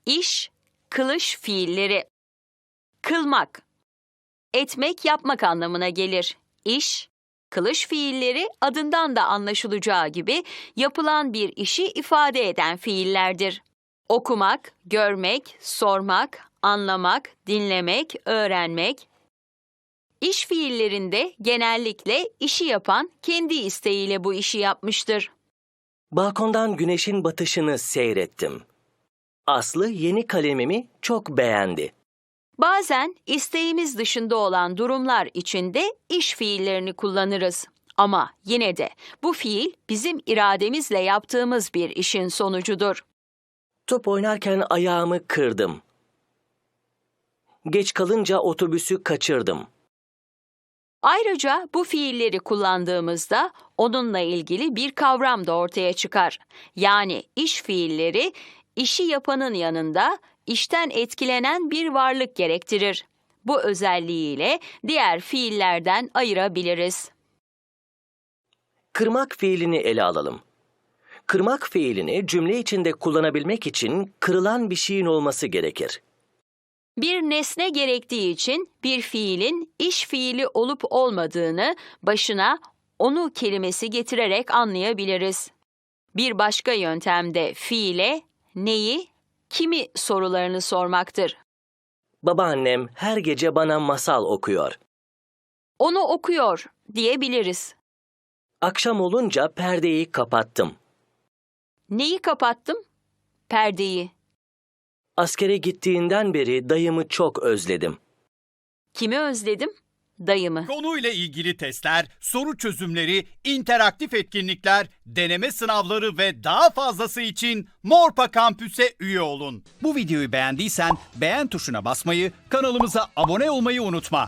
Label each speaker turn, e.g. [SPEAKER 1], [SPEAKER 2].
[SPEAKER 1] İş, kılış fiilleri. Kılmak, etmek, yapmak anlamına gelir. İş, kılış fiilleri adından da anlaşılacağı gibi yapılan bir işi ifade eden fiillerdir. Okumak, görmek, sormak, anlamak, dinlemek, öğrenmek. İş fiillerinde genellikle işi yapan kendi isteğiyle bu işi yapmıştır.
[SPEAKER 2] Balkondan güneşin batışını seyrettim. Aslı yeni kalemimi çok beğendi.
[SPEAKER 1] Bazen isteğimiz dışında olan durumlar içinde iş fiillerini kullanırız. Ama yine de bu fiil bizim irademizle yaptığımız bir işin sonucudur.
[SPEAKER 2] Top oynarken ayağımı kırdım. Geç kalınca otobüsü kaçırdım.
[SPEAKER 1] Ayrıca bu fiilleri kullandığımızda onunla ilgili bir kavram da ortaya çıkar. Yani iş fiilleri işi yapanın yanında işten etkilenen bir varlık gerektirir. Bu özelliğiyle diğer fiillerden ayırabiliriz.
[SPEAKER 2] Kırmak fiilini ele alalım. Kırmak fiilini cümle içinde kullanabilmek için kırılan bir şeyin olması gerekir.
[SPEAKER 1] Bir nesne gerektiği için bir fiilin iş fiili olup olmadığını başına onu kelimesi getirerek anlayabiliriz. Bir başka yöntem de fiile neyi, kimi sorularını sormaktır.
[SPEAKER 2] Babaannem her gece bana masal okuyor.
[SPEAKER 1] Onu okuyor diyebiliriz.
[SPEAKER 2] Akşam olunca perdeyi kapattım.
[SPEAKER 1] Neyi kapattım? Perdeyi.
[SPEAKER 2] Askere gittiğinden beri dayımı çok özledim.
[SPEAKER 1] Kimi özledim? Dayımı.
[SPEAKER 3] Konuyla ilgili testler, soru çözümleri, interaktif etkinlikler, deneme sınavları ve daha fazlası için Morpa Kampüs'e üye olun. Bu videoyu beğendiysen beğen tuşuna basmayı, kanalımıza abone olmayı unutma.